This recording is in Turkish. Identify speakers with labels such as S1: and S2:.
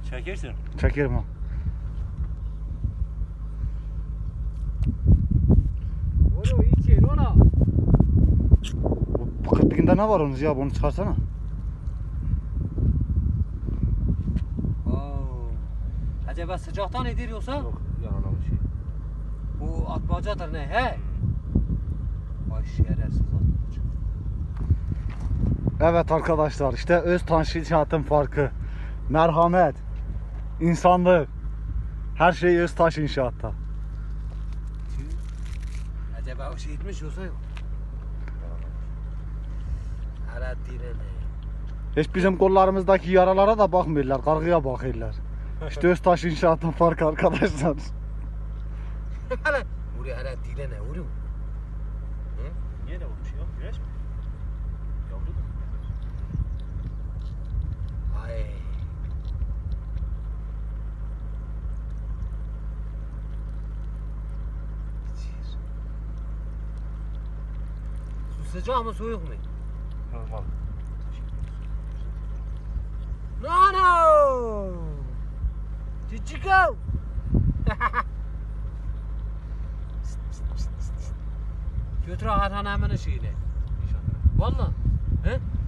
S1: Çekirsin.
S2: Çekerim ha.
S3: Onu içer ona.
S2: Bu kıtlıkında ne var onun ya? Bunu çıkarsana.
S3: Oo. Acaba sıcaktan nedir yoksa?
S1: Yok yaralamış şey.
S3: Bu atmacadır ne he? Vay şerefsiz atmaca.
S2: Evet arkadaşlar, işte Öztaş İnşaat'ın farkı. Merhamet, insanlık, her şey Öztaş İnşaat'ta.
S3: Acaba o şey etmiş yoksa yok. Ara direne.
S2: Hiç bizim kollarımızdaki yaralara da bakmıyorlar, kargıya bakıyorlar. İşte Öztaş İnşaat'ın farkı arkadaşlar.
S3: Hala. Buraya ara direne vuruyor.
S1: Niye de olmuş yok? Güneş mi? Yavru da.
S3: Ay. Su sıcak mı soğuk mu?
S1: Normal.
S3: No no. Chichico. Götür Hakan hemen şeyine.
S1: İnşallah.
S3: Valla. He?